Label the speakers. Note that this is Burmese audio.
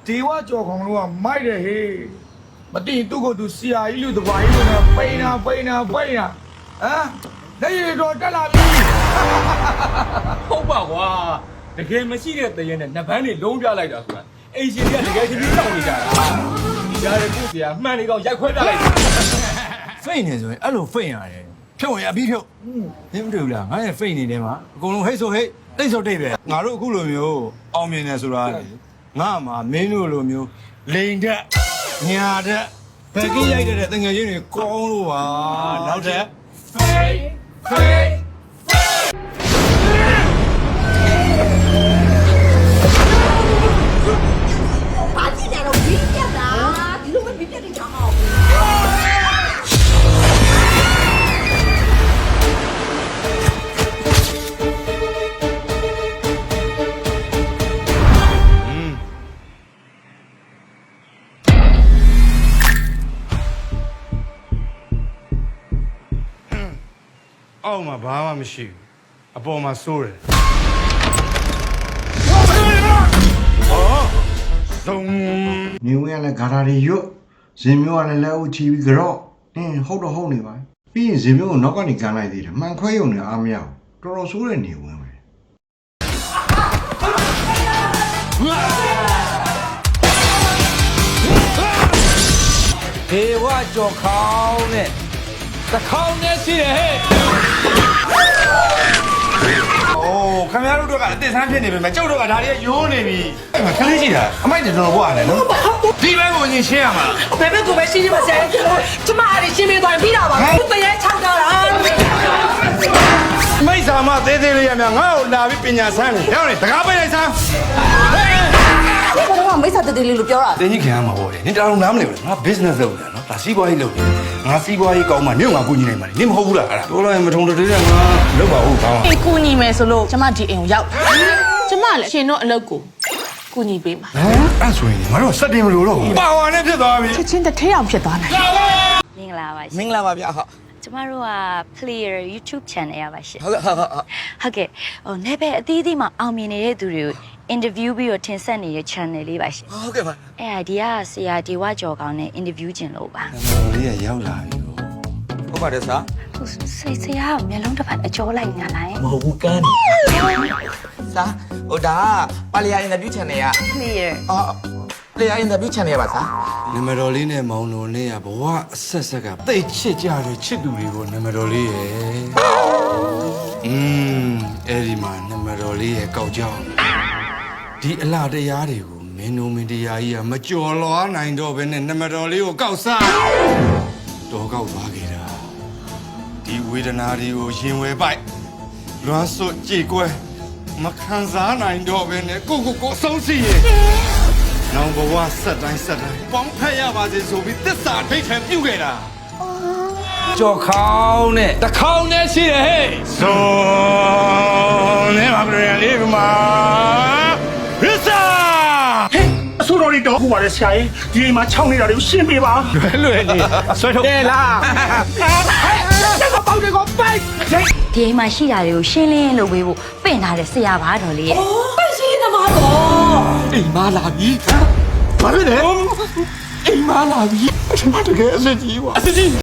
Speaker 1: ဒေဝကြော်ခေါင်လို့ကမိုက်တယ်ဟေးမသိသူ့ကိုသူဆရာကြီးလူတပွားကြီးလို့နဲ့ပိန်တာဟမ်လက်ရည်တော်တက်လာပြီ
Speaker 2: ဟုတ်ပါကွာတကယ်မရှိတဲ့တရေနဲ့နှစ်ပန်းတွေလုံးပြလိုက်တာဆိုတာအိမ်ရှင်တွေကတကယ်ချင်းပြီးတောင်းနေကြတာဒီကြားရဲ့ကိုဆရာမှန်နေတော့ရိုက်ခွဲပြလိုက်တာ
Speaker 3: ဖိတ်နေဆိုရင်အဲ့လိုဖိတ်ရတယ်ဖြုတ်ရင်အပြီးဖြုတ်နင်းမတွေ့ဘူးလားငါရဲ့ဖိတ်နေတယ်မှာအကုန်လုံးဟိတ်ဆိုဟိတ်တိတ်ဆိုတိတ်ပဲငါတို့အခုလိုမျိုးအောင်မြင်နေဆိုတာငါမှာမင်းတို့လိုမျိုးလိန်တက်ညာတက်ဘယ်ကြီးရိုက်တဲ့တငယ်ချင်းတွေကောင်းလို့ပါနောက်တက်
Speaker 4: ဘာကြည့်ကြတော့ဘီးပြတ်တာဒီလိုပဲဘီးပြတ်နေကြအောင်
Speaker 5: အောက်မှာဘာမှမရှိဘူးအပေါ်မှာစိုးတယ်သုံး
Speaker 6: နေဝင်ရလဲဂါရာတွေရွတ်ဇင်မျိုးကလည်းလက်အုပ်ချီပြီးကြော့နင်းဟုတ်တော့ဟုတ်နေပါပြီးရင်ဇင်မျိုးကိုနောက်ကနေကန်လိုက်သေးတယ်မှန်ခွဲရုံနဲ့အားမရဘူးတော်တော်ဆိုးတဲ့နေဝင်ပဲ
Speaker 3: ဒေဝကြော်ခေါင်းနဲ့တခေါင်းနဲ့ရှိတယ်ဟဲ့โอ้ခင်ဗျားတို့တော့ကအစ်ဆန်းဖြစ်နေပြီမဲ့ကျုပ်တို့ကဒါတွေကယိုးနေပြီအဲ့မှာခလေးရှိတာအမိုက်တော်တော်ဘွားတယ်နော်ဒီဘက်ကိုညင်ရှင်းရမှာ
Speaker 4: ဘယ်ဘက်ကိုပဲရှင်းရှင်းမဆဲကျမအားရှင်းပြသွားပြီးတာပါဘူးတရေချောက်တာလား
Speaker 5: မိတ်ဆာမသေးသေးလေးရမြငါ့ကိုလာပြီးပညာဆန်းနေရောက်နေတကားပိတ်လိုက်ဆန်း
Speaker 4: ဒီကတော့မိစ္ဆာတတိလေးလို့ပြောတာ
Speaker 5: တင်းကြီးခင်ရမှာပေါ့လေနင်တောင်နားမလဲဘူးငါ business လုပ်နေတာနော်ဒါစီးပွားရေးလုပ်နေငါစီးပွားရေးကောင်းမှနင့်ငါကူညီနိုင်မှာနင်မဟုတ်ဘူးလားအဲ့ဒါပြောလိုက်မထုံတည်းတဲ့ငါလုပ်ပါဦးကောင်း
Speaker 7: အိမ်ကူညီမယ်ဆိုလို့ကျမဒီအိမ်ကိုရောက်ကျမလည်းရှင်တို့အလုပ်ကိုကူညီပေးမှာ
Speaker 5: အဲ့ဆိုရင်ငါတို့စက်တင်မလို့တော့ပါဝါနဲ့ဖြစ်သွားပြီ
Speaker 7: ချက်ချင်းတစ်ထဲအောင်ဖြစ်သွားနိုင်
Speaker 8: မင်္ဂလာပါရှင်
Speaker 3: မင်္ဂလာပါဗျာဟုတ်
Speaker 8: ကျမတို့က Player YouTube Channel ရပါရှင်
Speaker 3: ဟုတ်ကဲ့ဟုတ်
Speaker 8: ဟုတ်ကဲ့ဟိုနယ်ပယ်အသီးသီးမှာအောင်မြင်နေတဲ့သူတွေကို interview ပြီးတော့တင်ဆက်နေတဲ့ channel လေးပါရှင်
Speaker 3: ဟုတ်ကဲ့ပါ
Speaker 8: အဲ့ဒါဒီကဆရာဒေဝကျော်ကောင်းနဲ့ interview ကျင်လို့ပါ
Speaker 5: လေးရရောက်လာပြီ
Speaker 3: ဟုတ်ပါတယ်စာ
Speaker 8: ဟိုဆရာကမျက်လုံးတစ်ဖက်အကျော်လိုက်ညာလိုက်
Speaker 3: မဟုတ်ဘူးကန်းစာဟိုဒါပါလီယာအင်တာဗျူး channel က
Speaker 8: Player
Speaker 3: အော်လေယာအင်တာဗျူး channel ပါစာ
Speaker 5: နမတော်လေးနဲ့မောင်တော်နဲ့ကဘဝအဆက်ဆက်ကတိတ်ချစ်ကြတဲ့ချစ်သူတွေကိုနမတော်လေးရဲ့အဲ့ဒီမှာနမတော်လေးရဲ့ကောက်ကြောင်းဒီအလားတရားတွေကိုမင်းတို့မင်းတရားကြီးကမကြော်လွားနိုင်တော့ဘဲနဲ့နမတော်လေးကိုကောက်စားတော်ကောက်သွားခဲ့တာဒီဝေဒနာတွေကိုရင်ဝယ်ပိုက်လွမ်းစွတ်ကြည်ကွဲမခံစားနိုင်တော့ဘဲနဲ့ကိုအဆုံးစီရဲ့နောင်ဘဝဆက်တိုင်းပေါင်းဖက်ရပါစေဆိုပြီးသစ္စာဒိဋ္ဌံပြုခဲ့တာ
Speaker 3: ကြော်ခေါင်းနဲ့တခေါင်းနဲ့ရှိတယ်ဟဲ့
Speaker 5: ဆိုနေပါပြန်လေးကမှာရစ္စာ
Speaker 9: အဆိုတော်လေးတော့ဟိုပါလေဆရာကြီးဒီအိမ်မှာခြောက်နေတာတွေကိုရှင်းပေးပါ
Speaker 5: လွယ်နေဆွဲထုတ်တယ်လား
Speaker 8: ဒီအိမ်မှာရှိတာတွေကိုရှင်းလင်းလုပ်ပေးဖို့ပင့်ထားတဲ့ဆရာပါတော်လေးရဲ့
Speaker 4: ပဲရှင်းသမားတော့
Speaker 5: အိမ်မလာပြီဘာဖြစ်လဲအိမ်မလာပြီအထမတကယ်အစ်ကြီးကွာအစ်ကြီး